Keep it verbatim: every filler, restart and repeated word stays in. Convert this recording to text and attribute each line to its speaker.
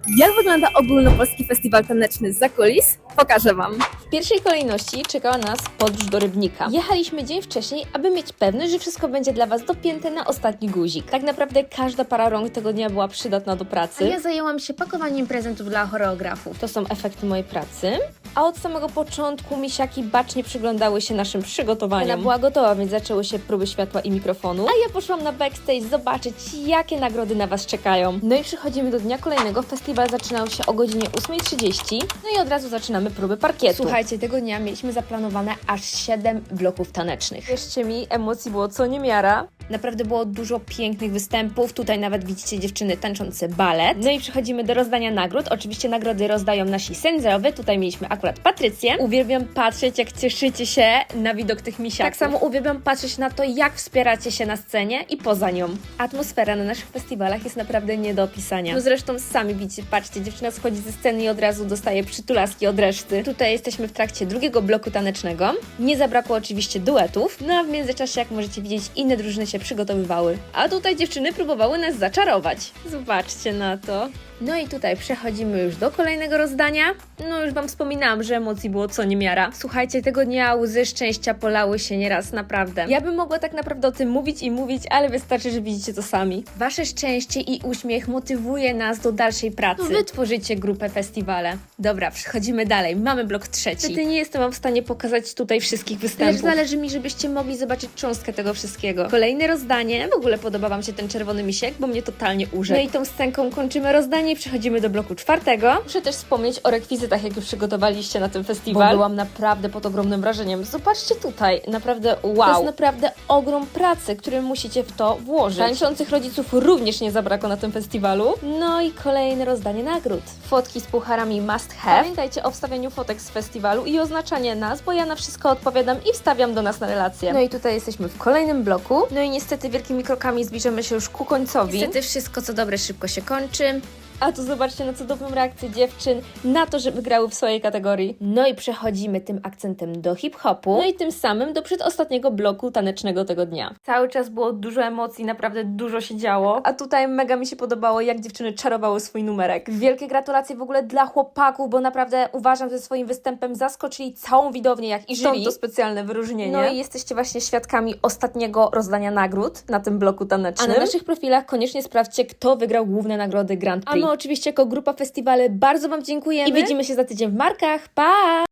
Speaker 1: Jak wygląda ogólnopolski festiwal taneczny zza kulis? Pokażę Wam.
Speaker 2: W pierwszej kolejności czekała nas podróż do Rybnika. Jechaliśmy dzień wcześniej, aby mieć pewność, że wszystko będzie dla Was dopięte na ostatni guzik. Tak naprawdę każda para rąk tego dnia była przydatna do pracy.
Speaker 3: A ja zajęłam się pakowaniem prezentów dla choreografów.
Speaker 2: To są efekty mojej pracy. A od samego początku misiaki bacznie przyglądały się naszym przygotowaniom. Ona była gotowa, więc zaczęły się próby światła i mikrofonu. A ja poszłam na backstage zobaczyć, jakie nagrody na Was czekają. No i przychodzimy do dnia kolejnego. Festiwal zaczynał się o godzinie ósmej trzydzieści. No i od razu zaczynamy próby parkietu. Słuchajcie, tego dnia mieliśmy zaplanowane aż siedem bloków tanecznych. Wierzcie mi, emocji było co niemiara. Naprawdę było dużo pięknych występów. Tutaj nawet widzicie dziewczyny tańczące balet. No i przechodzimy do rozdania nagród. Oczywiście nagrody rozdają nasi sędziowie. Tutaj mieliśmy akurat Patrycję. Uwielbiam patrzeć, jak cieszycie się na widok tych misiaków. Tak samo uwielbiam patrzeć na to, jak wspieracie się na scenie i poza nią. Atmosfera na naszych festiwalach jest naprawdę nie do opisania. No zresztą sami widzicie, patrzcie, dziewczyna schodzi ze sceny i od razu dostaje przytulaski od reszty. Tutaj jesteśmy w trakcie drugiego bloku tanecznego. Nie zabrakło oczywiście duetów. No a w międzyczasie, jak możecie widzieć, inne drużyny się przygotowywały. A tutaj dziewczyny próbowały nas zaczarować. Zobaczcie na to. No i tutaj przechodzimy już do kolejnego rozdania. No już Wam wspominałam, że emocji było co niemiara. Słuchajcie, tego dnia łzy szczęścia polały się nieraz, naprawdę. Ja bym mogła tak naprawdę o tym mówić i mówić, ale wystarczy, że widzicie to sami. Wasze szczęście i uśmiech motywuje nas do dalszej pracy. Wy tworzycie grupę festiwale. Dobra, przechodzimy dalej. Mamy blok trzeci. Niestety nie jestem Wam w stanie pokazać tutaj wszystkich występów. Lecz zależy mi, żebyście mogli zobaczyć cząstkę tego wszystkiego. Kolejne rozdanie. W ogóle podoba Wam się ten czerwony misiek, bo mnie totalnie urzekł. No i tą scenką kończymy rozdanie i przechodzimy do bloku czwartego. Muszę też wspomnieć o rekwizytach, jakie przygotowaliście na ten festiwal. Bo byłam naprawdę pod ogromnym wrażeniem. Zobaczcie tutaj, naprawdę wow. To jest naprawdę ogrom pracy, który musicie w to włożyć. Tańczących rodziców również nie zabrakło na tym festiwalu. No i kolejne rozdanie nagród. Fotki z pucharami must have. Pamiętajcie o wstawianiu fotek z festiwalu i oznaczanie nas, bo ja na wszystko odpowiadam i wstawiam do nas na relacje. No i tutaj jesteśmy w kolejnym bloku. No i niestety wielkimi krokami zbliżamy się już ku końcowi.
Speaker 3: Niestety wszystko co dobre szybko się kończy.
Speaker 2: A tu zobaczcie na cudowną reakcję dziewczyn na to, że wygrały w swojej kategorii. No i przechodzimy tym akcentem do hip-hopu. No i tym samym do przedostatniego bloku tanecznego tego dnia. Cały czas było dużo emocji, naprawdę dużo się działo. A tutaj mega mi się podobało, jak dziewczyny czarowały swój numerek. Wielkie gratulacje w ogóle dla chłopaków, bo naprawdę uważam, że swoim występem zaskoczyli całą widownię, jak i jury. To specjalne wyróżnienie. No i jesteście właśnie świadkami ostatniego rozdania nagród na tym bloku tanecznym. A na naszych profilach koniecznie sprawdźcie, kto wygrał główne nagrody Grand Prix. A my oczywiście jako grupa festiwale bardzo Wam dziękujemy i widzimy się za tydzień w markach. Pa!